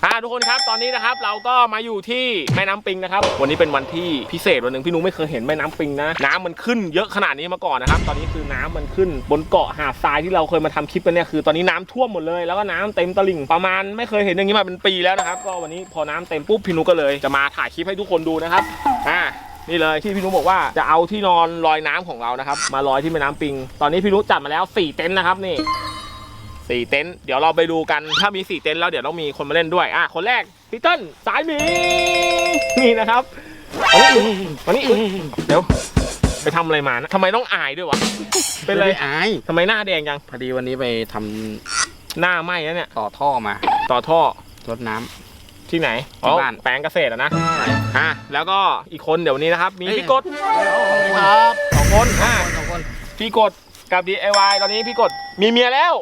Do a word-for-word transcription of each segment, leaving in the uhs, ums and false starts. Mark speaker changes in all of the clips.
Speaker 1: อ่าทุกคนครับตอนนี้นะครับเราก็มาอยู่ที่แม่น้ำปิงนะครับวันนี้เป็นวันที่พิเศษวันหนึ่งพี่นุ้ไม่เคยเห็นแม่น้ำปิงนะน้ำมันขึ้นเยอะขนาดนี้มาก่อนนะครับตอนนี้คือน้ำมันขึ้นบนเกาะหาดทรายที่เราเคยมาทำคลิปกันเนี่ยคือตอนนี้น้ำท่วมหมดเลยแล้วก็น้ำเต็มตลิ่งประมาณไม่เคยเห็นอย่างนี้มาเป็นปีแล้วนะครับก็วันนี้พอน้ำเต็มปุ๊บพี่นุ้ก็เลยจะมาถ่ายคลิปให้ทุกคนดูนะครับอ่านี่เลยที่พี่นุ้บอกว่าจะเอาที่นอนลอยน้ำของเรานะครับมาลอยที่แม่น้ำปิงตอนนี้พี่นุ้จัดมาแล้วสี่เต็นท์นะครับนี่สี่เต็นท์เดี๋ยวเราไปดูกันถ้ามีสี่เต็นท์แล้วเดี๋ยวต้องมีคนมาเล่นด้วยอ่ะคนแรกพี่เติ้ลสายหมีนี่นะครับวันนี้วันนี้เดี๋ยวไปทำอะไรมานะทำไมต้องอายด้วยวะเป็นไร
Speaker 2: อาย
Speaker 1: ทำไมหน้าแดงจัง
Speaker 2: พอดีวันนี้ไปทำ
Speaker 1: หน้าไหม้แล้วเนี่ย
Speaker 2: ต่อท่อมา
Speaker 1: ต่อท่อ
Speaker 2: รดน้ำ
Speaker 1: ที่ไหนที่บ้านแปลงเกษตรอะนะอ่ะแล้วก็อีกคนเดี๋ยวนี้นะครับมีพี่กด
Speaker 2: ครับ
Speaker 1: สองคนอ่ะ
Speaker 2: สองคน
Speaker 1: พี่กดกับ ดี ไอ วาย ตอนนี้พี่กดมีเมียแล้ว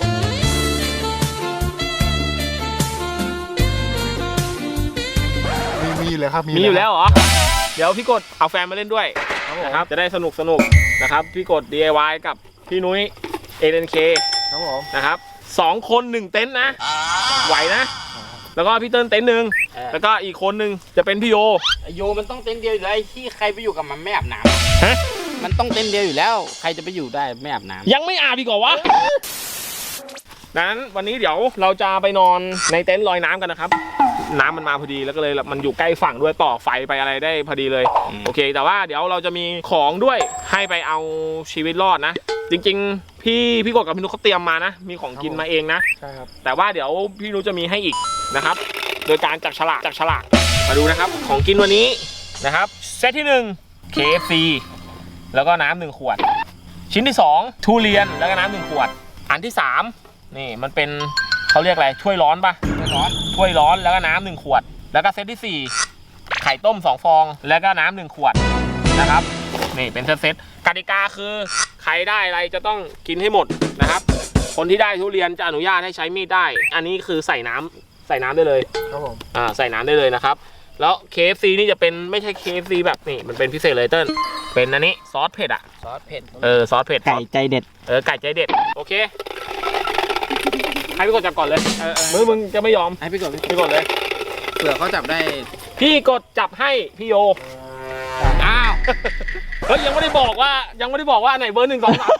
Speaker 3: มีเลยครับ
Speaker 1: มีอยู่แล้วเหรอเดี๋ยวพี่กดเอาแฟนมาเล่นด้วยนะครับจะได้สนุกสนุกนะครับพี่กด ดี ไอ วาย กับพี่นุ้ย เอ เอ็น เค
Speaker 3: ครับผม
Speaker 1: นะครับสองคนหนึ่งเต็นท์นะไหวนะแล้วก็พี่เติ้ลเต็นท์หนึ่งแล้วก็อีกคนหนึ่งจะเป็นพี่โย
Speaker 2: โยมันต้องเต็นท์เดียวอยู่แล้วที่ใครไปอยู่กับมันไม่อาบน้ำฮะมันต้องเต็นท์เดียวอยู่แล้วใครจะไปอยู่ได้ไม่อาบน้ำ
Speaker 1: ยังไม่อาบอีกเหรอวะนั้นวันนี้เดี๋ยวเราจะไปนอนในเต็นท์ลอยน้ำกันนะครับน้ำมันมาพอดีแล้วก็เลยมันอยู่ใกล้ฝั่งด้วยต่อไฟไปอะไรได้พอดีเลยโอเคแต่ว่าเดี๋ยวเราจะมีของด้วยให้ไปเอาชีวิตรอดนะจริงๆพี่พี่กดกับพี่นุ๊กเขาเตรียมมานะมีของกินมาเองนะ
Speaker 3: ใช่ครับ
Speaker 1: แต่ว่าเดี๋ยวพี่นุ๊กจะมีให้อีกนะครับโดยการจับฉลากจับฉลากมาดูนะครับของกินวันนี้นะครับเซตที่หนึ่ง เค เอฟ ซี แล้วก็น้ำหนึ่งขวดชิ้นที่สองทุเรียนแล้วก็น้ำหนึ่งขวดอันที่สามนี่มันเป็นเขาเรียกอะไรถ้วยร้อนปะถ้วยร้อนถ้วยร้อนแล้วก็น้ำหนึ่งขวดแล้วก็เซตที่สี่ไข่ต้มสองฟองแล้วก็น้ำหนึ่งขวดนะครับนี่เป็นเซตกติกาคือใครได้อะไรจะต้องกินให้หมดนะครับคนที่ได้ทุเรียนจะอนุญาตให้ใช้มีดได้อันนี้คือใส่น้ำใส่น้ำได้เลย
Speaker 3: ครับผม
Speaker 1: อ่าใส่น้ำได้เลยนะครับแล้ว เค เอฟ ซี นี่จะเป็นไม่ใช่ เค เอฟ ซี แบบนี่มันเป็นพิเศษเลยเติ้ลเป็นอันนี้ซอสเผ็ดอ่ะ
Speaker 2: ซอสเผ็ด
Speaker 1: เออซอสเผ็ด
Speaker 2: ไก่ใจเด็ด
Speaker 1: เออไก่ใจเด็ดโอเคให้พี่กดจับก่อนเลยเออมือมึงจะไม่ยอม
Speaker 2: ให้พี่กด
Speaker 1: พี่กดเลย
Speaker 2: เผื่อเขาจับได้
Speaker 1: พี่กดจับให้พี่โยอ้าวเฮ้ยยังไม่ได้บอกว่ายังไม่ได้บอกว่าไหนเบอร์หนึ่งสองสาม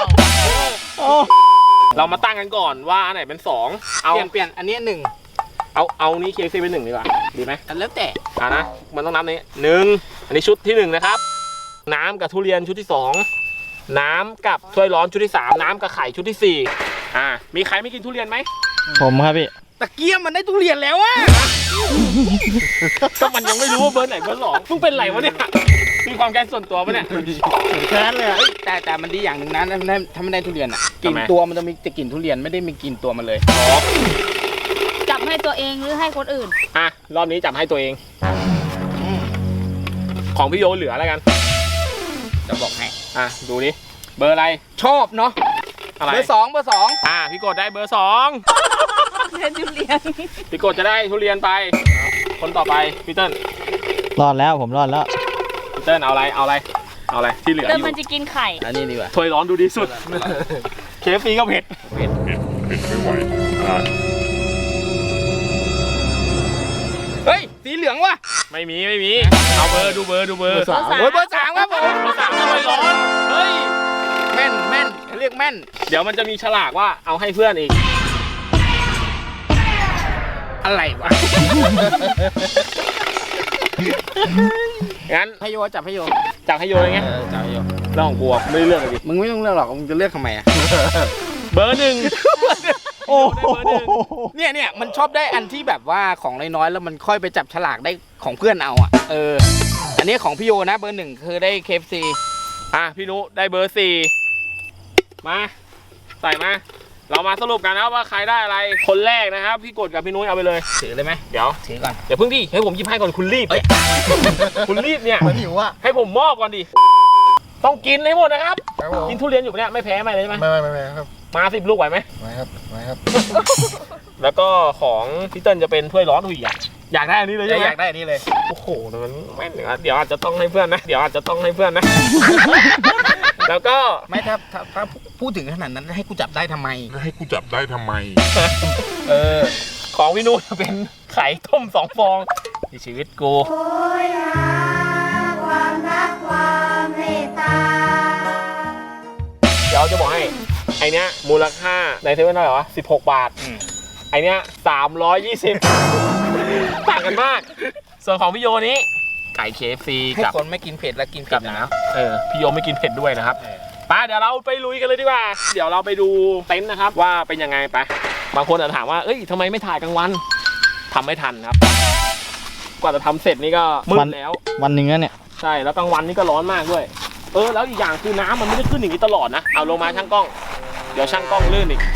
Speaker 1: เรามาตั้งกันก่อนว่าอันไหนเป็นสอง
Speaker 2: เอาเปลี่ยนเปลี่ยนอันนี้หนึ่ง
Speaker 1: เอาเอานี้ เค เอฟ ซี เป็นหนึ่งดีกว่าดีไหม
Speaker 2: แล้วแต่
Speaker 1: อ่านะมันต้องนับนี้หนึ่งอันนี้ชุดที่หนึ่งนะครับน้ำกับทุเรียนชุดที่สองน้ำกับถ้วยร้อนชุดที่สามน้ำกับไข่ชุดที่สี่อ่ามีใครไม่กินทุเรียนไหม
Speaker 2: ผมครับพี่ตะเกียบมันได้ทุเรียนแล้วอะ
Speaker 1: ก็มันยังไม่รู้ว่าเบอร์ไหนเบอร์สองมึงเป็นไรวะเนี่ยมีความแค้นส่วนตัวปะเนี่ย
Speaker 2: แค้นเลยแต่แต่มันดีอย่างหนึ่งนะถ้าไม่ได้ทุเรียนอ่ะกลิ่นตัวมันจะมีจะกลิ่นทุเรียนไม่ได้มีกลิ่นตัวมันเลย
Speaker 4: จับให้ตัวเองหรือให้คนอื่น
Speaker 1: อ่ะรอบนี้จับให้ตัวเองของพี่โยเหลือแล้วกัน
Speaker 2: จะบอกให้
Speaker 1: อ่ะดูดิเบอร์อะไร
Speaker 2: ชอบเนาะเบอร์สองเบอร์สอง
Speaker 1: อ่ะพี่กดได้เบอร์สอง
Speaker 4: ได้ทุเรียน
Speaker 1: พี่กดจะได้ทุเรียนไปคนต่อไปพี่เติ้ล
Speaker 2: รอดแล้วผมรอดแล้ว
Speaker 1: พี่เติ้ลเอาอะไรเอาอะไรเอาอะไรที่เหลืออยู่
Speaker 4: เติ้ลมันจะกินไข่
Speaker 2: อันนี้ดีกว่า
Speaker 1: ถ้วยร้อนดูดีสุดเคฟซีก็เผ็ด
Speaker 2: เผ็ดเผ็ดเผ็ดไม่ไหวเฮ้ยสีเหลืองวะ
Speaker 1: ไม่มีไม่มีเอาเบอร์ดูเบอร์ดูเบอร์
Speaker 2: สามเบอร์สามครับผม
Speaker 1: เบอร์สามถ้วยร้อนเฮ้ย
Speaker 2: แม่นแม่นเรียกแม่น
Speaker 1: เดี๋ยวมันจะมีฉลากว่าเอาให้เพื่อนอีก
Speaker 2: อะไรวะ
Speaker 1: งั้น
Speaker 2: ให้โยจับให้โย
Speaker 1: จับให้โยเลยไง
Speaker 2: จับให้โย
Speaker 1: เรื่องของกูไม่เลือกเลยดิ
Speaker 2: มึงไม่ต้องเลือกหรอกมึงจะเลือกทำไมอะ
Speaker 1: เบอร์หนึ่ง
Speaker 2: โอ้เนี่ยเนี่ยมันชอบได้อันที่แบบว่าของน้อยๆแล้วมันค่อยไปจับฉลากได้ของเพื่อนเอาอ่ะเอออันนี้ของพี่โยนะเบอร์หนึ่งคือได้ เค เอฟ ซี
Speaker 1: อ่ะพี่นุได้เบอร์สี่มาใส่มาเรามาสรุปกันนะว่าใครได้อะไรคนแรกนะครับพี่กดกับพี่นุ้ยเอาไปเลย
Speaker 2: ถือเลยไหม
Speaker 1: เดี๋ยว
Speaker 2: ถือก่อน
Speaker 1: เดี๋ยวพึ่งดิให้ผมยิบให้ก่อนคุณรีบคุณรีบเนี่ย
Speaker 3: หิวอ่ะ
Speaker 1: ให้ผมมอบก่อนดิต้องกินให้หมดนะครับกินทุเรียนอยู่เนี่ยไม่แพ้ไม่เลยใช่ไหม
Speaker 3: ไม่ไม่ไม่ครับ
Speaker 1: มาสิบลูกไหวไหม
Speaker 3: ไหวครับไหวครับ
Speaker 1: แล้วก็ของพี่เติ้ลจะเป็นถ้วยร้อนหุยอ่ะอยากได้อันนี้เลยใช่ไหม
Speaker 2: อยากได้อันนี้เลย
Speaker 1: โอ้โหมันแม่นเดี๋ยวอาจจะต้องให้เพื่อนนะเดี๋ยวอาจจะต้องให้เพื่อนนะแล้วก็
Speaker 2: ไม่ถ้าถ้าพูดถึงขนาดนั้นให้กูจับได้ทำไม
Speaker 3: ให้กูจับได้ทำไม
Speaker 1: เออของพี่นุ้ยจะเป็นไข่ต้มสองฟองในชีวิตกู
Speaker 5: โอยหาความรักความเมตตา
Speaker 1: เดี๋ยวจะบอกให้ไอเนี้ยมูลค่าในเซเว่นเท่าไหร่วะสิบหกบาทไอเนี้ยสามร้อยยี่สิบต่างกันมาก ส่วนของพี่โยนี้ไก่ เค เอฟ ซี
Speaker 2: ให้
Speaker 1: กับ
Speaker 2: คนไม่กินเผ็ดแล้วกินเผ็
Speaker 1: กั
Speaker 2: ด
Speaker 1: บ
Speaker 2: นะ
Speaker 1: น้ำเออพี่โยไม่กินเผ็ดด้วยนะครับไปเดี๋ยวเราไปลุยกันเลยดีกว่าเดี๋ยวเราไปดูเต็นท์นะครับว่าเป็นยังไงไปบางคนอาจจะถามว่าเอ้ยทำไมไม่ถ่ายกลางวันทำไม่ทันครับ กว่าจะทำเสร็จนี่ก็มืดแล้ว
Speaker 6: วันหนึ่งแล้วเนี่ย
Speaker 1: ใช่แล้วกลางวันนี่ก็ร้อนมากด้วยเออแล้วอีกอย่างคือน้ำมันไม่ได้ขึ้นอย่างนี้ตลอดนะเอาลงมาช่างกล้องเดี๋ยวช่างกล้องลื่นอีก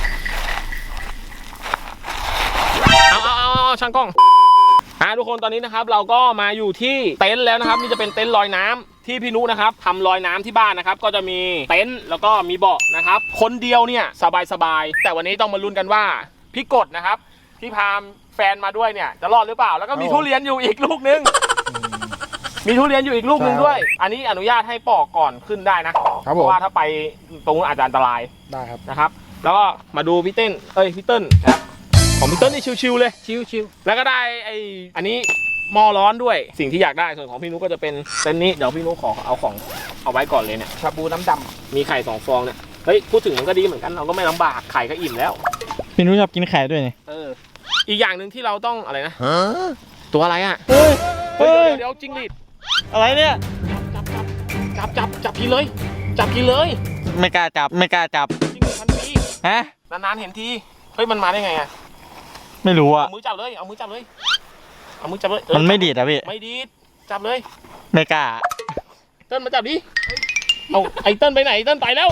Speaker 1: เอาเอาเอาเอาช่างกล้องอ่าทุกคนตอนนี้นะครับเราก็มาอยู่ที่เต็นท์แล้วนะครับนี่จะเป็นเต็นท์ลอยน้ำที่พี่นุนะครับทำลอยน้ำที่บ้านนะครับก็จะมีเต็นท์แล้วก็มีเบาะนะครับคนเดียวเนี่ยสบายสบายแต่วันนี้ต้องมาลุ้นกันว่าพี่กดนะครับที่พาแฟนมาด้วยเนี่ยจะรอดหรือเปล่าแล้วก็มีทุเรียนอยู่อีกลูกนึงมีทุเรียนอยู่อีกลูกนึงด้วย อันนี้อนุญาตให้ปอกก่อนขึ้นได้นะเพราะว่าถ้าไปตรงนู้นอาจจะอันตราย
Speaker 3: ได้ครับ
Speaker 1: นะครับ แล้วก็มาดูพี่เต้นเอ้ยพี่เติ้ลนะครับของพี่เติ้ลนี่ชิวๆเลย
Speaker 2: ชิวชิว
Speaker 1: แล้วก็ได้ไออันนี้หม้อร้อนด้วยสิ่งที่อยากได้ส่วนของพี่นุก็จะเป็นเต็นท์นี้เดี๋ยวพี่นุขอเอาของเอาไว้ก่อนเลยเนี่ย
Speaker 2: ชาบูน้ำด
Speaker 1: มีไข่สองฟองเนี่ยเฮ้ยพูดถึงมันก็ดีเหมือนกันเราก็ไม่ลำบากไข่ก็อิ่มแล้ว
Speaker 6: พี่นุ้ยชอบกินไข่ด้วยนี่
Speaker 1: เอออีกอย่างหนึ่งที่เราต้องอะไรนะตัวอะไรอ่ะ
Speaker 6: เฮ้ย
Speaker 1: เฮ้
Speaker 6: เฮ้
Speaker 1: ย
Speaker 6: ย
Speaker 1: เดี๋ยวจิ้งหรีด
Speaker 6: อะไรเนี่ย
Speaker 1: จับจับจับจับกินเลย จับกินเลย
Speaker 6: ไม่กล้าจับไม่กล้าจับ
Speaker 1: จิ้งหรีดพันปี
Speaker 6: ฮะ
Speaker 1: นานๆเห็นทีเฮ้ยมันมาได้ไงอ่ะ
Speaker 6: ไม่รู้
Speaker 1: เอา
Speaker 6: อ่ะ
Speaker 1: มือจับเลยเอามือจับเลยเอามือจับเลยเออ
Speaker 6: มันไม่ดีดอ่ะพี่
Speaker 1: ไม่ดีดจับเลย
Speaker 6: ไม่กล้า
Speaker 1: เติ้ลมาจับดิเอาไอ้เติ้ลไปไหนเติ้ลไปแล้ว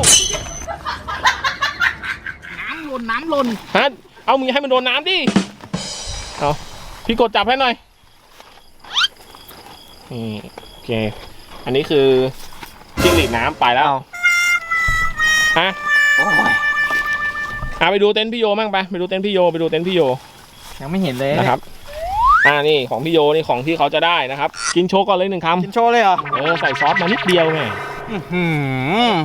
Speaker 2: ำน้ำหล่นน้ำหล่น
Speaker 1: ฮะเอามือให้มันโดนน้ำดิเอาพี่กดจับให้หน่อยนี่โอเคอันนี้คือจิ้งหรีดน้ำไปแล้วฮะ
Speaker 2: โอ้ย
Speaker 1: อ่ะไปดูเต็นท์พี่โยมั่งไปไปดูเต็นท์พี่โยไปดูเต็นท์พี่โย
Speaker 6: ยังไม่เห็นเลย
Speaker 1: นะครับอ่านี่ของพี่โยนี่ของที่เขาจะได้นะครับ กินโชว์ก่อนเลยหนึ่งค
Speaker 6: กินโชว์เลยเหรอ
Speaker 1: ำเออใส่ซอสมานิดเดียวไง
Speaker 6: หืม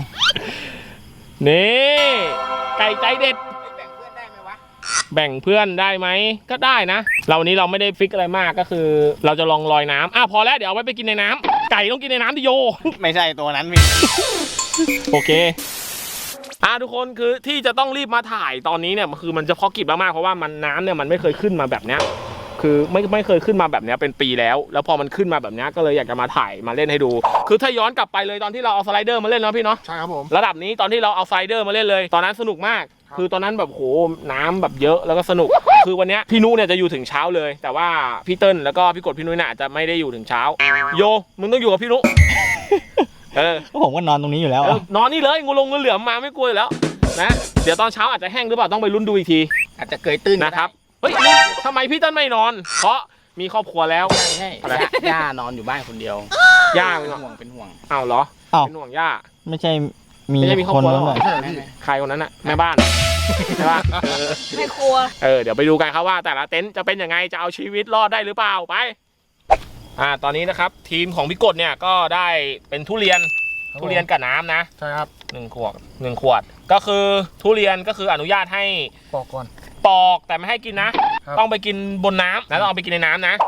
Speaker 1: นี่ไก่ใจเด็ด
Speaker 2: แบ่งเพื่อนได้ไหมวะ
Speaker 1: แบ่งเพื่อนได้ไหมก็ได้นะเราวันนี้เราไม่ได้ฟิกอะไรมากก็คือ เราจะลองลอยน้ำอ่ะพอแล้วเดี๋ยวเอาไว้ไปกินในน้ำไก่ต้องกินในน้ำดิโย
Speaker 6: ไม่ใช่ตัวนั้นพี่
Speaker 1: โอเคอ่ะทุกคนคือที่จะต้องรีบมาถ่ายตอนนี้เนี่ยคือมันจะพอกิบมากๆเพราะว่ามันน้ำเนี่ยมันไม่เคยขึ้นมาแบบเนี้ยคือไม่ไม่เคยขึ้นมาแบบเนี้ยเป็นปีแล้ว แล้วพอมันขึ้นมาแบบเนี้ยก็เลยอยากจะมาถ่ายมาเล่นให้ดู คือถ้าย้อนกลับไปเลยตอนที่เราเอาสไลเดอร์มาเล่นเนาะพี่เนาะ
Speaker 3: ใช่ครับผม
Speaker 1: ระดับนี้ตอนที่เราเอาสไลเดอร์มาเล่นเลย ตอนนั้นสนุกมาก คือตอนนั้นแบบโหน้ำแบบเยอะแล้วก็สนุก คือวันเนี้ยพี่นุเนี่ยจะอยู่ถึงเช้าเลย แต่ว่าพี่เติ้ลแล้วก็พี่กดพี่นุ้ยน่ะจะไม่ได้อยู่ถึงเช้า โยมึงต้องอยู่กับพี่นุเออ
Speaker 6: ผมก็นอนตรงนี้อยู่แล้ว
Speaker 1: เอ
Speaker 6: อะ
Speaker 1: อนอนนี่เลยงูลงงูเหลือมมาไม่กลัวอยู่แล้วนะเดี๋ยวตอนเช้าอาจจะแห้งหรือเปล่าต้องไปลุ้นดูอีกที
Speaker 2: อาจจะเกยตื้น
Speaker 1: นะครับเฮ้ยนี่ทำไมพี่เติ้ลไม่นอน เพราะมีครอบครัวแล้ว
Speaker 2: ใช่
Speaker 1: อะไร
Speaker 2: ย่าย่านอนอยู่บ้านคนเดียว
Speaker 1: ย่า
Speaker 2: เป็
Speaker 1: เป็น
Speaker 2: นห่วงเป็นห่วง
Speaker 1: อ้าวเหรอ
Speaker 6: อ้าว
Speaker 1: เป็นห่วงย่า
Speaker 6: ไม่ใช่มี
Speaker 1: ไม่ใช่มีครอบ
Speaker 6: คน
Speaker 1: ครัว
Speaker 6: นั้น
Speaker 1: เหรอ
Speaker 6: เลย
Speaker 3: ใช่
Speaker 2: ไม่
Speaker 3: พี่
Speaker 2: ไม่
Speaker 1: ใครคนนั้นอะแม่บ้านใช่ปะเออ
Speaker 4: ไม่ครัว
Speaker 1: เออเดี๋ยวไปดูกันครับว่าแต่ละเต็นท์จะเป็นยังไงจะเอาชีวิตรอดได้หรือเปล่าไปอ่าตอนนี้นะครับทีมของพี่กดเนี่ยก็ได้เป็นทุเรียน
Speaker 3: ครับ
Speaker 1: ทุเรียนกับน้ำนะ
Speaker 3: ใช่ครับ
Speaker 1: หนึ่งขวดหนึ่งขวด ก็คือทุเรียนก็คืออนุญาตให้
Speaker 3: ปอกก่อน
Speaker 1: ปอกแต่ไม่ให้กินนะ
Speaker 3: ครับ
Speaker 1: ต้องไปกินบนน้ำนะต้องเอาไปกินในน้ำนะ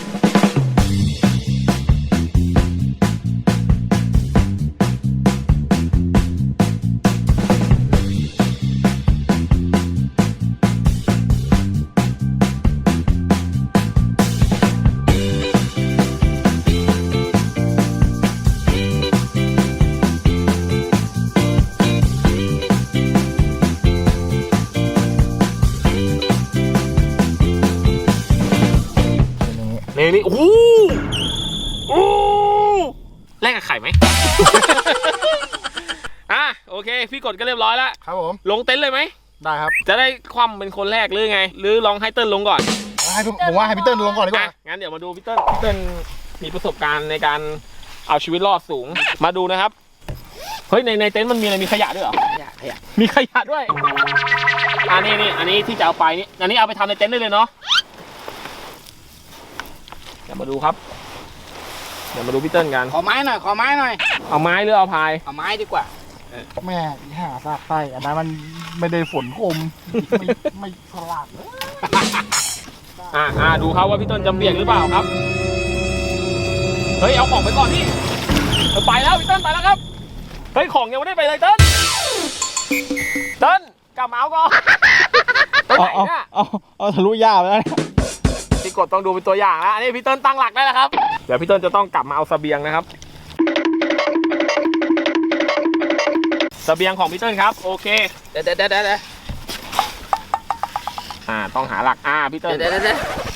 Speaker 3: เป็นอย่างนี้
Speaker 1: นี่นี่โอ้โหโอ้โหแลกกับไข่ไหม อ่ะโอเคพี่กดก็เรียบร้อยแล้ว
Speaker 3: ครับผม
Speaker 1: ลงเต็นท์เลยไหม
Speaker 3: ได้ครับ
Speaker 1: จะได้คว่ำเป็นคนแรกหรือไง หรือลองให้เติ้ลลงก่อน
Speaker 3: ให้พี่ผมว่าให้พี่เติ้ลลงก่อนดีกว่า
Speaker 1: อ่ะงั้นเดี๋ยวมาดูพี่เติ้ลพี่เติ้ลมีประสบการณ์ในการเอาชีวิตรอดสูง มาดูนะครับ เฮ้ยในในเต็นท์มันมีอะไรมีขยะด้วยเหรอ
Speaker 2: ขยะขยะ
Speaker 1: มีขยะด้วยอันนี้นี่อันนี้ที่จะเอาไปนี่อันนี้เอาไปทำในเต็นท์ได้เลยเนาะเดี๋ยวมาดูครับ เดี๋ยวมาดูพี่เติ้ลกัน
Speaker 2: ขอไม้หน่อยขอไม้หน่อย
Speaker 1: เอาไม้หรือเอาพาย
Speaker 2: เอาไม้ดีกว่า
Speaker 3: แม่อีห่าซากไส้อันนั้นมันไม่ได้ฝนคมไม่ไม่ฉลาดเลย
Speaker 2: ไ
Speaker 1: อ่าอ่าดูครับว่าพี่เติ้ลจะเปียกหรือเปล่าครับเฮ้ยเอาของไปก่อนนี่ไปแล้วพี่เติ้ลไปแล้วครับเฮ้ยของยังไม่ได้ไปเลยเติ้ลเติ้ลกลับมาเอาก่อนไปไหน
Speaker 6: เอา
Speaker 1: เนี่ย
Speaker 6: เอาเอาทะลุย่าไปแล้วเนี่ย
Speaker 1: พี่กดต้องดูเป็นตัวอย่างนะอันนี้พี่เติ้ลตั้งหลักได้แล้วครับเดี๋ยวพี่เติ้ลจะต้องกลับมาเอาเสบียงนะครับเสบียงของพี่เติ้ลครับโอเค
Speaker 2: เดี๋ยวเดี๋ยวเดี๋ยวเดี๋ยว
Speaker 1: อ่าต้องหาหลักอ่าพี่เติ้ล
Speaker 2: เดี๋ยวเดี๋ยวเดี๋ยว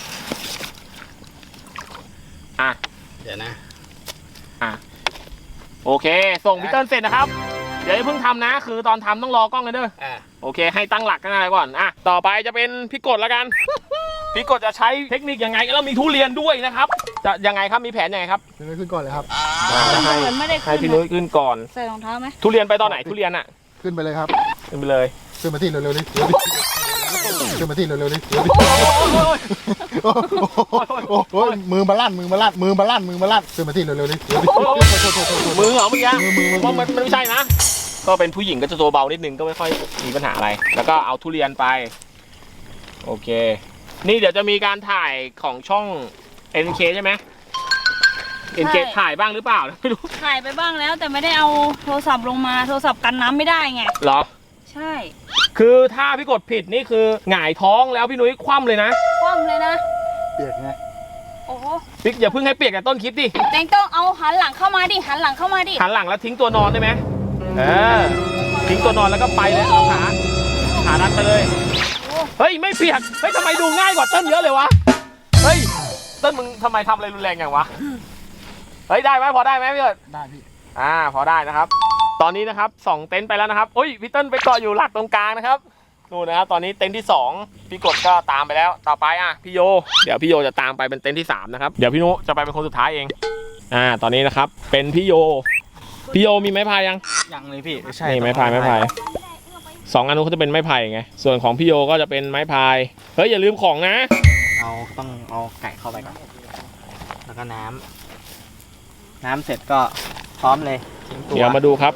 Speaker 1: อ่ะ
Speaker 2: เดี๋ยวนะ
Speaker 1: อ่ะโอเคส่งพี่เติ้ลเสร็จนะครับเดี๋ยวอย่าเพิ่งทำนะคือตอนทำต้องรอกล้องกันเด้อ
Speaker 2: อ่า
Speaker 1: โอเคให้ตั้งหลักกันอะไรก่อนอ่ะต่อไปจะเป็นพี่กดแล้วกัน พี่กดจะใช้เทคนิคยังไงแล้วมีทุเรียนด้วยนะครับจะยังไงครับมีแผนยังไงครับ
Speaker 3: พี่นุ้ยขึ้นก่อนเลยครับ
Speaker 1: ให้
Speaker 4: เหมือนไม่ได้
Speaker 1: ให้
Speaker 4: ขึ้น
Speaker 1: พี่นุ้ยขึ้นก่อน
Speaker 4: ใส่รองเท้าไหม
Speaker 1: ทุเรียนไปตอนไหนทุเรียนอ่ะ
Speaker 3: ขึ้นไปเลยครับ
Speaker 1: ขึ้นไปเลย
Speaker 3: ขึ้นมาที่เร็วๆนี่เร็วดิขึ้นมาที่เร็วๆนี่เร็วดิโอ้โหมือมาลั่นมือมาลั่นมือมาลั่นมือมาลั่นขึ้นมาที่เร็วๆนี่เร็วดิ
Speaker 1: มือเหรอเมื่อกี้
Speaker 3: มือมือมือ
Speaker 1: เพราะมันมันไม่ใช่นะก็เป็นผู้หญิงก็จะตัวเบานิดนึงก็ไม่ค่อยมีปัญหาอะไร แล้วก็เอาทุเรียนไปโอเค นี่เดี๋ยวจะมีการถ่ายของช่อง เอ็น เค ใช่ไหม เอ็น เค ถ่ายบ้างหรือเปล่าไม่รู้
Speaker 4: ถ่ายไปบ้างแล้วแต่ไม่ได้เอาโทรศัพท์ลงมาโทรศัพท์กันน้ำไม่ได้ไง
Speaker 1: เหรอ
Speaker 4: ใช่
Speaker 1: คือถ้าพี่กดผิดนี่คือหงายท้องแล้วพี่นุ้ยคว่ำเลยนะ
Speaker 4: คว่ำเลยนะ
Speaker 3: เปียกไง
Speaker 4: โอ้โห
Speaker 1: พี่อย่าเพิ่งให้เปียกแต่ต้นคลิปดิ
Speaker 4: เต็งต้องเอาหันหลังเข้ามาดิหันหลังเข้ามาดิ
Speaker 1: หันหลังแล้วทิ้งตัวนอนได้ไหมเออทิ้งตัวนอนแล้วก็ไปเลยเอาขาขาดันไปเลยเฮ้ยไม่เปียกเฮ้ยทำไมดูง่ายกว่าเต้นเยอะเลยวะเฮ้ยเต้นมึงทำไมทำอะไรรุนแรงอย่างวะเฮ้ยได้ไหมพอได้ไหมพี่เอิร์ด
Speaker 3: ได้พี่
Speaker 1: อ่าพอได้นะครับ ตอนนี้นะครับสองเต็นท์ไปแล้วนะครับโอ้ยพี่เติ้ลไปเกาะอยู่หลักตรงกลางนะครับนู่นนะครับตอนนี้เต็นท์ที่สองพี่กดก็ตามไปแล้วต่อไปอ่ะพี่โยเดี๋ยวพี่โยจะตามไปเป็นเต็นท์ที่สามนะครับเดี๋ยวพี่นุจะไปเป็นคนสุดท้ายเองอ่าตอนนี้นะครับเป็นพี่โยพี่โยมีไม้พายยัง
Speaker 6: ยังเลยพี่ใช่
Speaker 1: นี่ไม้พายไม้พายสองอันนู้นเขาจะเป็นไม้พายไงส่วนของพี่โยก็จะเป็นไม้พายเฮ้ยอย่าลืมของนะ
Speaker 6: เอาต้องเอาไก่เข้าไปก่อนแล้วก็น้ำน้ำเสร็จก็พร้อมเลยทิ้งตัว
Speaker 1: เดี๋ยวมาดูครับ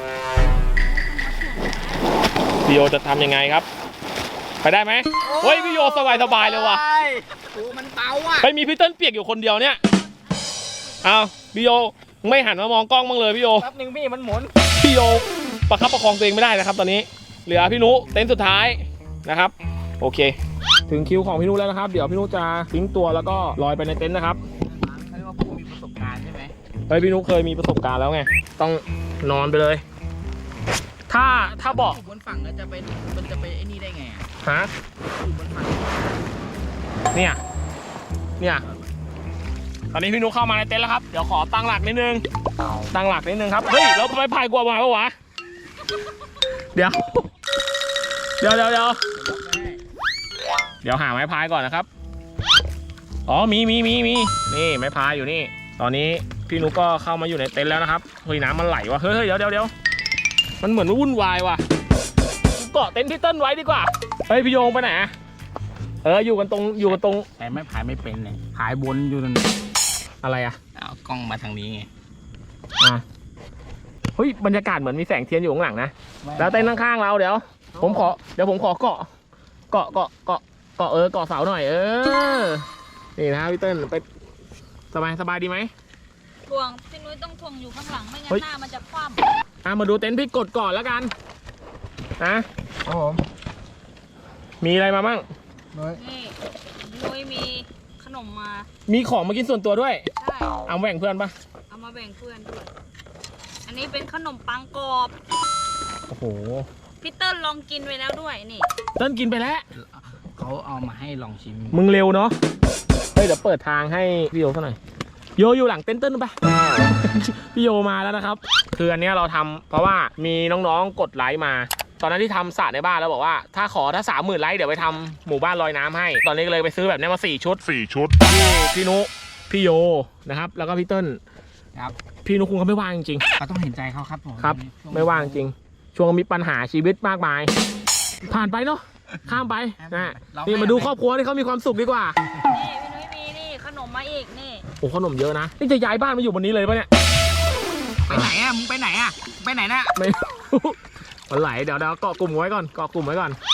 Speaker 1: พี่โยจะทำยังไงครับไปได้ไหมเฮ้ยพี่โยสบายสบายเลยว่ะ
Speaker 2: โอ้มันเบาอ่ะ
Speaker 1: เฮ้ยมีพี่เติ้ลเปียกอยู่คนเดียวเนี่ยเอาพี่โยไม่หันมามองกล้องบ้างเลยพี่โย
Speaker 6: แป๊บนึงพี่มันหมุน
Speaker 1: พี่โยประคับประคองตัวเองไม่ได้นะครับตอนนี้เหลือพี่นุเต็นท์สุดท้ายนะครับโอเค ถึงคิวของพี่นุแล้วนะครับเดี๋ยวพี่นุจะทิ้งตัวแล้วก็ลอยไปในเต็นท์นะครับ
Speaker 2: เขาเรียกว่าผู้มีประสบการณ์ใช่ไหม
Speaker 1: เฮ้ยพี่นุเคยมีประสบการณ์แล้วไงต้องนอนไปเลย ถ้าถ้าบอก
Speaker 2: อยู่บนฝั่งแล้วจะไปมันจะไปไอ้นี่ได้ไงอ่ะ
Speaker 1: ฮะ
Speaker 2: อยู่บนฝั่ง
Speaker 1: เนี่ยเนี่ยตอนนี้พี่นุเข้ามาในเต็นท์แล้วครับเดี๋ยวขอตั้งหลักนิดนึงตั้งหลักนิดนึงครับเฮ้ยแล้วไม่พายกลัวมาปะวะเดี๋ยวเดี๋ยวเดี๋ยวเดี๋ยวเดี๋ยวหาไม้พายก่อนนะครับอ๋อมีมีมีมีนี่ไม้พายอยู่นี่ ตอนนี้พี่นุก็เข้ามาอยู่ในเต็นท์แล้วนะครับเฮ้ยน้ำมันไหลว่ะเฮ้ยเดี๋ยวเดี๋ยวเดี๋ยวมันเหมือนวุ่นวายว่ะเกาะเต็นท์ที่เติ้ลไว้ดีกว่าเฮ้ยพี่โยงไปไหนอะเอออยู่กันตรงอยู่กันตรง
Speaker 2: แต่ไม่พายไม่เป็นเลยพายบนอยู่นั่น
Speaker 1: อะไรอะ
Speaker 2: เอากล้องมาทางนี้ไง
Speaker 1: อ่ะเฮ้ยบรรยากาศเหมือนมีแสงเทียนอยู่ข้างหลังนะแล้วเต็นท์ข้างๆเราเดี๋ยวผมขอเดี๋ยวผมขอเกาะเกาะเกาะเกาะเกาะเออเกาะเสาหน่อยเออนี่นะพี่เติ้ลไปสบายสบายดีไหม
Speaker 4: ทวงพี่นุ้ยต้องทวงอยู่ข้างหลังไม่งั้
Speaker 1: เฮ้
Speaker 4: น
Speaker 1: ย
Speaker 4: หน้ามันจะคว่
Speaker 1: อ่ะมาดูเต็นท์พี่กดก่อนแล้วกันนะครับ
Speaker 3: ผม
Speaker 1: มีอะไรมาบ้าง
Speaker 3: นุ้ย
Speaker 4: ำนี่พี่นุ้ยมีขนมมา
Speaker 1: มีของมากินส่วนตัวด้วย
Speaker 4: ใช่
Speaker 1: เอาแบ่งเพื่อนปะ
Speaker 4: เอามาแบ่งเพื่อนด้วยอันนี้เป็นขนมปังกรอบ
Speaker 1: โอ้โห
Speaker 4: พี่เติ้ลลองกินไปแล้วด้วยนี่
Speaker 1: เติ้ลกินไปแล้ว
Speaker 2: เขาเอามาให้ลองชิม
Speaker 1: มึงเร็วเนาะเฮ้ยเดี๋ยวเปิดทางให้พี่โยซะหน่อยโยอยู่หลังเต็นท์เติ้ลปะ พี่โยมาแล้วนะครับคืออันเนี้ยเราทำเพราะว่ามีน้องๆกดไลค์มา ตอนนั้นที่ทำสระในบ้านแล้วบอกว่าถ้าขอถ้าสามหมื่นไลค์เดี๋ยวไปทำหมู่บ้านลอยน้ำให้ ตอนนี้ก็เลยไปซื้อแบบนี้มาสี่ชุดสี่ชุดพี่พี่นุพี่โยนะครับแล้วก็พี่เติ้ล
Speaker 2: ครับ
Speaker 1: พี่นุคงเขาไม่ว่างจริง
Speaker 2: เขาต้องเห็นใจเขาครับผม
Speaker 1: ๆครับ
Speaker 2: ช่
Speaker 1: ไม่ว่างจริง ช่วงมีปัญหาชีวิตมากมาย ผ่านไปเนาะข้ามไปนะนี่มาดูครอบครัวที่เขามีความสุขดีกว่า
Speaker 4: นี่พี่นุ้ยมีนี่ขนมมาอีกนี่
Speaker 1: โอ้ขนมเยอะนะนี่จะย้ายบ้านมาอยู่บนนี้เลยปะเนี่ย
Speaker 2: ไปไหนอ่ะมึงไปไหนอ่ะไปไหนน่ะ
Speaker 1: ไม่รู้ มันไหลเดี๋ยวเดี๋ยวเกาะกลุ่มไว้ก่อนเกาะกลุ่มไว้ก่อน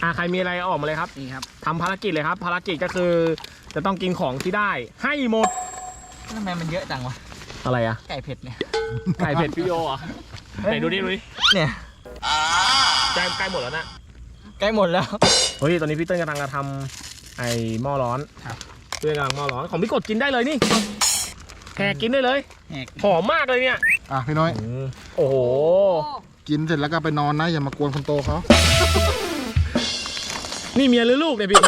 Speaker 1: อ่าใครมีอะไรออกมาเลยครับ
Speaker 2: นี่ครับ
Speaker 1: ทำภารกิจเลยครับ ภารกิจก็คือจะต้องกินของที่ได้ให้หมด
Speaker 6: ทำไมมันเยอะจังวะ
Speaker 1: อะไรอะ
Speaker 6: ไก่เผ็ดเนี่ย
Speaker 1: ไก่เผ็ดพี่โยเหรอ่ะไหนดูดิดูดิ
Speaker 6: เนี่ย
Speaker 1: ใกล้ใกล้หมดแล้วนะ
Speaker 6: ใกล้หมดแล้ว
Speaker 1: เฮ้ยตอนนี้พี่เติ้ลกำลังจะทำไอ้หม้อร้อน
Speaker 6: ครับ
Speaker 1: เพื่อนกำลังหม้อร้อนของพี่กดกินได้เลยนี่แหกกินได้เลย
Speaker 2: แหก
Speaker 1: หอมมากเลยเนี่ย
Speaker 3: อ่ะพี่น้อย
Speaker 1: อืมโอ้โห
Speaker 3: กินเสร็จแล้วก็ไปนอนนะอย่ามากวนคนโตเขา
Speaker 1: นี่เมียหรือลูกเนี่ยพี่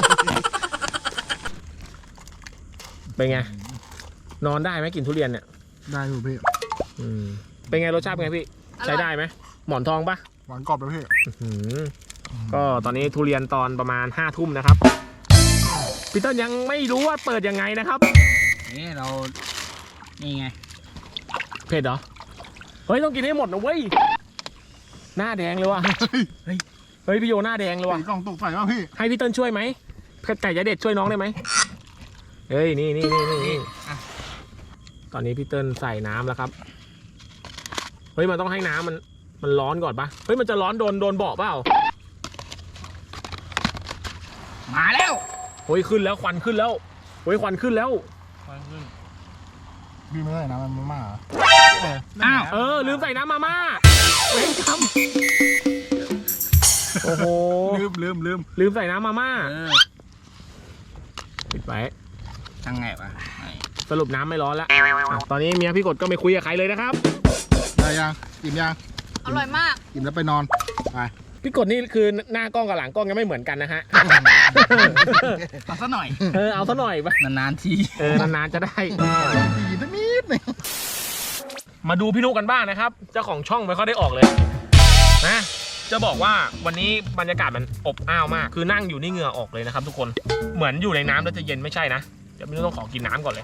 Speaker 1: เป็นไง นอนได้ไหมกินทุเรียนเนี่ย
Speaker 3: ได้อยู่พี่
Speaker 1: อืมเป็นไงรสชาติเป็นไงพี่
Speaker 4: อร่อย
Speaker 1: ใช้ได้ไหมหมอนทองปะ
Speaker 3: หวานกรอบเลยพี่
Speaker 1: อื้อหือก็ตอนนี้ทุเรียนตอนประมาณห้าทุ่มนะครับพี่เติ้ลยังไม่รู้ว่าเปิดยังไงนะครับ
Speaker 2: นี่เรา นี่ไง
Speaker 1: เผ็ดเหรอ เฮ้ยต้องกินให้หมดนะเว้ย หน้าแดงเลยว่ะ
Speaker 3: เฮ้ย
Speaker 1: เฮ้ยพี่โยหน้าแดงเลยว่ะ
Speaker 3: ตีกล่องตกใส่ป่ะพี่
Speaker 1: ให้พี่เติ้ลช่วยไหมไก่ยาเด็ดช่วยน้องได้ไหมเฮ้ยนี่นี่นี่นี่นี่ตอนนี้พี่เติ้ลใส่น้ำแล้วครับ เฮ้ยมันต้องให้น้ำมันมันร้อนก่อนปะเฮ้ยมันจะร้อนโดนโดนเบาะเปล่า
Speaker 2: มาแล้ว
Speaker 1: เฮ้ยขึ้นแล้วควันขึ้นแล้วเฮ้ยควันขึ้นแล้ว
Speaker 3: พี่ไม่ได้นะมันมาม่าเหรอ
Speaker 2: อ้าว
Speaker 1: เออลืมใส่น้ำมาม่าเว้นคำโอ้โห
Speaker 3: ลืมลืมลืม
Speaker 1: ลืมใส่น้ำมาม่า
Speaker 2: เออ
Speaker 1: ปิดไว้
Speaker 2: ทางไงวะ
Speaker 1: สรุปน้ำไม่ร้อนแล้วอ่ะตอนนี้เมียพี่กดก็ไม่คุยกับใครเลยนะครับ
Speaker 3: ได้ยังอิ่มยัง
Speaker 4: อร่อยมาก
Speaker 3: อิ่มแล้วไปนอนไป
Speaker 1: พี่กดนี่คือหน้ากล้องกับหลังกล้องยังไม่เหมือนกันนะฮะ
Speaker 2: เอาซะหน่อย
Speaker 1: เออเอาซะหน่อยปะ
Speaker 2: นานๆที
Speaker 1: เออนานๆจะได้
Speaker 3: ดีสักนิดหนึง
Speaker 1: มาดูพี่นุกันบ้างนะครับ เจ้าของช่องไม่ค่อยได้ออกเลยนะจะบอกว่าวันนี้บรรยากาศมันอบอ้าวมาก คือนั่งอยู่นี่เหงื่อออกเลยนะครับ ทุกคนเหมือนอยู่ในน้ำแล้วจะเย็นไม่ใช่นะเดี๋ยวพี่นุต้องขอกินน้ำก่อนเลย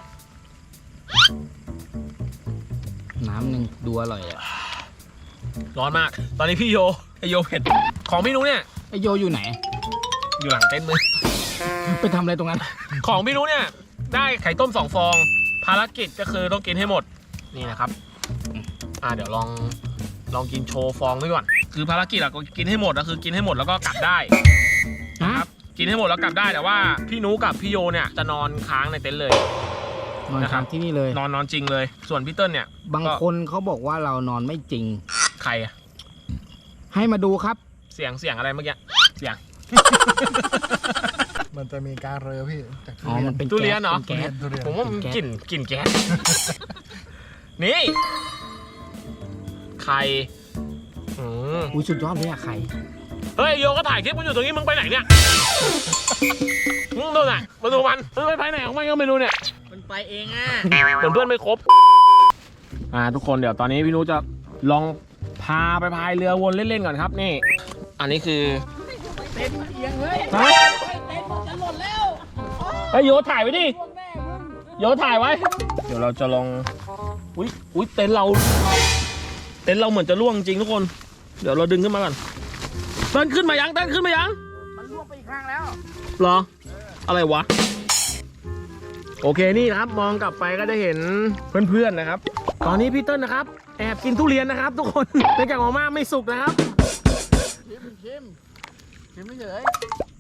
Speaker 2: น้ำหนึ่งดูอร่อยเลย
Speaker 1: ร้อนมาก ตอนนี้พี่โยไอโยเผ็ดของพี่นุเนี่ย
Speaker 2: ไอโยอยู่ไหน
Speaker 1: อยู่หลังเต็นท์เลย
Speaker 2: ไปทำอะไรตรงนั้น
Speaker 1: ของพี่นุเนี่ยได้ไข่ต้มสองฟอง ภารกิจก็คือต้องกินให้หมดนี่นะครับอ่าเดี๋ยวลองลองกินโชว์ฟองด้วยก่อนคือภารกิจเราก็กินให้หมดก็คือกินให้หมดแล้วก็กลับได้นะครับกินให้หมดแล้วกลับได้แต่ว่าพี่นุกับพี่โยเนี่ยจะนอนค้างในเต็นท์เลย
Speaker 2: นอน
Speaker 1: นะครับ
Speaker 2: ค้างที่นี่เลย
Speaker 1: นอนนอนจริงเลย ส่วนพี่เติ้ลเนี่ย
Speaker 2: บางคนเขาบอกว่าเรานอนไม่จริง
Speaker 1: ใครอะ
Speaker 2: ให้มาดูครับ
Speaker 1: เสียงเสียงอะไรเมื่อกี้เสียง
Speaker 3: มันจะมีการเรือพี่จาก
Speaker 2: อ๋อ มันเป็น
Speaker 1: ทุเรียนเหรอ
Speaker 2: แก๊ส
Speaker 3: ทุเรียน
Speaker 1: ผมว่ามันกลิ่นกลิ่นแก๊ส นี่ไข่อืม
Speaker 2: อุ้ยสุดยอดเลยอะไข่
Speaker 1: เฮ้ยโยก็ถ่ายคลิปมันอยู่ตรงนี้มึงไปไหนเนี่ยมึงดูหน่ะมาดูมันมันไปไหนของมันก็ไม่รู้เนี่ย
Speaker 6: มันไปเองอ่ะ
Speaker 1: เหมือนเพื่อนไม่ครบอ่าทุกคนเดี๋ยวตอนนี้พี่นุจะลองพาไปพายเรือวนเล่นๆก่อนครับนี่ อันนี้คือเต็นเอียงเลยฮะเต็นจะหล่นแล้วไอ้โยถ่ายไว้ดิโยถ่ายไว้ เดี๋ยวเราจะลองอุ้ยอุ้ยเต็นเราเต็นเราเหมือนจะล่วงจริงทุกคน เดี๋ยวเราดึงขึ้นมาก่อนเต้นขึ้นมายังเต้นขึ้นมายัง
Speaker 2: มันล่วงไปอีกครั้งแล้ว
Speaker 1: เหรออะไรวะโอเคนี่นะครับมองกลับไปก็จะเห็นเพื่อนๆนะครับ ตอนนี้พี่เติ้ลนะครับแอบกินทุเรียนนะครับ ทุกคนเนื่องจากมาม่าไม่สุกนะครับ
Speaker 3: ชิมชิมชิมไม่เฉย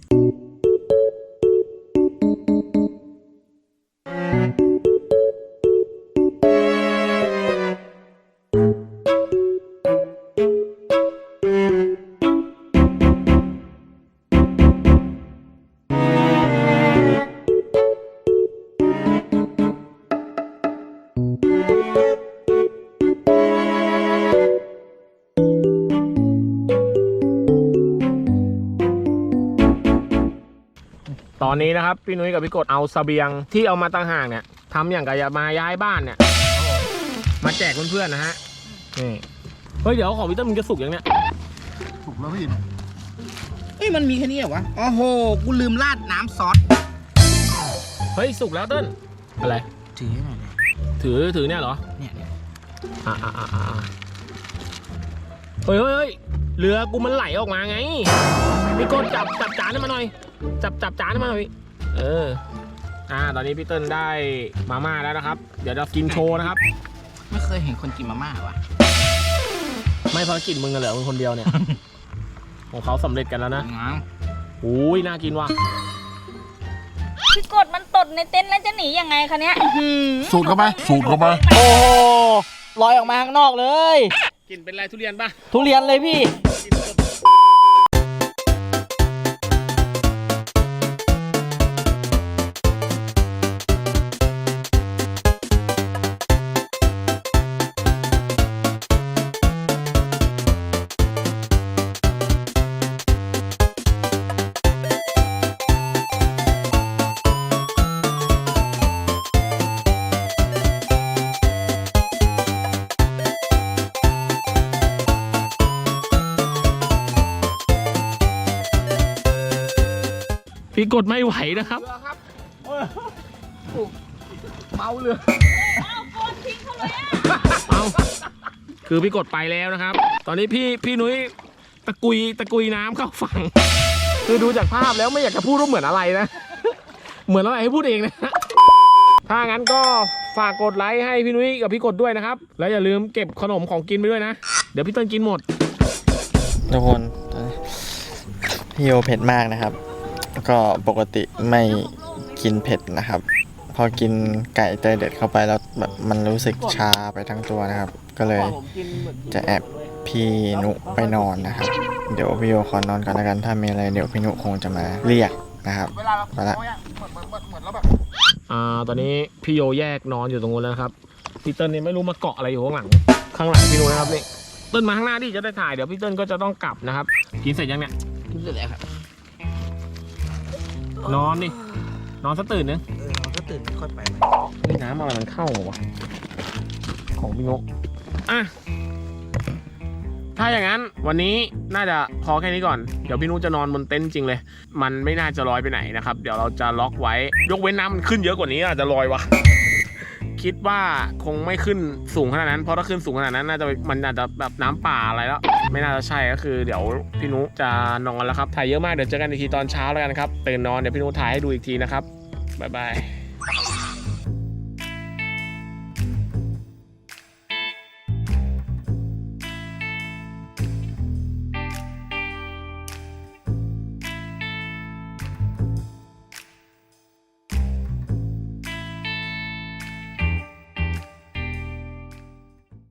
Speaker 1: ตอนนี้นะครับพี่นุ้ยกับพี่กดเอาเสบียงที่เอามาตั้งห่างเนี่ยทำอย่างกับจะมาย้ายบ้านเนี่ยมาแจกเพื่อนๆนะฮะนี่เฮ้ยเดี๋ยวของพี่เติ้ลมันจะสุกยังเนี่ย
Speaker 3: ถูกแล้วพี่
Speaker 2: เอ้ยมันมีแค่นี้เหรอวะ โอ้โห กูลืมราดน้ำซอส
Speaker 1: เฮ้ยสุกแล้วเติ้ลอะไร
Speaker 2: ถือหน่อยเลย
Speaker 1: ถือถือเนี่ยเหรอ
Speaker 2: เนี่ยเนี่ย
Speaker 1: อ่าอ่าอ่าอ่าเฮ้ยเฮ้ยเฮ้ยเรือกูมันไหลออกมาไงพี่กดจับจับจานให้มาหน่อย จับจับจานให้มาหน่อยเอออ่าตอนนี้พี่เติ้ลได้มาม่าแล้วนะครับ เดี๋ยวเรากินโชว์นะครับ
Speaker 2: ไม่เคยเห็นคนกินมาม่าวะ
Speaker 1: ไม่ภารกิจมึงกันเหรอมึงคนเดียวเนี่ย ของเขาสำเร็จกันแล้วนะ
Speaker 2: ง้าง
Speaker 1: โอ้ยน่ากินว่ะ
Speaker 4: พี่กดมันตดในเต็นท์แล้วจะหนียังไงคะเนี้ยอื้อหือ
Speaker 3: สูดเข้าไปสูดเข้าไป
Speaker 6: โอ้โหลอยออกมาข้างนอกเลย
Speaker 1: กินเป็นไรทุเรียนป่ะ
Speaker 6: ทุเรียนเลยพี่
Speaker 1: พี่กดไม่ไหวนะครับ
Speaker 2: เมาเรือ
Speaker 4: เอาโกนทิ้งเขาเลยอ่ะ
Speaker 1: เอาคือพี่กดไปแล้วนะครับ ตอนนี้พี่พี่นุ้ยตะกุยตะกุยน้ำเข้าฝั่ง คือดูจากภาพแล้วไม่อยากจะพูดว่าเหมือนอะไรนะ เหมือนอะไรให้พูดเองนะ ถ้างั้นก็ฝากกดไลค์ให้พี่นุ้ยกับพี่กดด้วยนะครับ แล้วอย่าลืมเก็บขนมของกินไปด้วยนะ เดี๋ยวพี่เติ้ลกินหมด
Speaker 6: ทุกคนตอนนี้พี่โยเผ็ดมากนะครับ ก็ปกติไม่กินเผ็ดนะครับ พอกินไก่เตยเด็ดเข้าไปแล้วแบบมันรู้สึกชาไปทั้งตัวนะครับ ก็เลยจะแอบพี่นุไปนอนนะครับ เดี๋ยวพี่โยขอนอนก่อนแล้วกัน ถ้ามีอะไรเดี๋ยวพี่นุคงจะมาเรียกนะครับไปละ
Speaker 1: อ่าตอนนี้พี่โยแยกนอนอยู่ตรงนู้นแล้วนะครับพี่เติ้ลนี่ไม่รู้มาเกาะอะไรอยู่ข้างหลังข้างหลังพี่นุ้ยนะครับนี่เติ้ลมาข้างหน้าดิจะได้ถ่ายเดี๋ยวพี่เติ้ลก็จะต้องกลับนะครับ กินเสร็จยังเนี่ย
Speaker 2: กินเสร็จแล้วครับ
Speaker 1: นอนดินอนซะตื่นนึง
Speaker 6: เออเราก็ตื่นค่อยไป
Speaker 1: เฮ้ยน้ำอะไรมันเข้าวะของพี่นกอ่ะถ้าอย่างนั้นวันนี้น่าจะพอแค่นี้ก่อนเดี๋ยวพี่นุ้ยจะนอนบนเต็นท์จริงเลย มันไม่น่าจะลอยไปไหนนะครับเดี๋ยวเราจะล็อกไว้ยกเว้นน้ำมันขึ้นเยอะกว่านี้อาจจะลอยวะ คิดว่าคงไม่ขึ้นสูงขนาดนั้นเพราะถ้าขึ้นสูงขนาดนั้นน่าจะมันอาจจะแบบน้ำป่าอะไรแล้วไม่น่าจะใช่ก็คือเดี๋ยวพี่นุจะนอนแล้วครับถ่ายเยอะมากเดี๋ยวเจอกันอีกทีตอนเช้าแล้วกันครับตื่นนอนเดี๋ยวพี่นุถ่ายให้ดูอีกทีนะครับบ๊ายบาย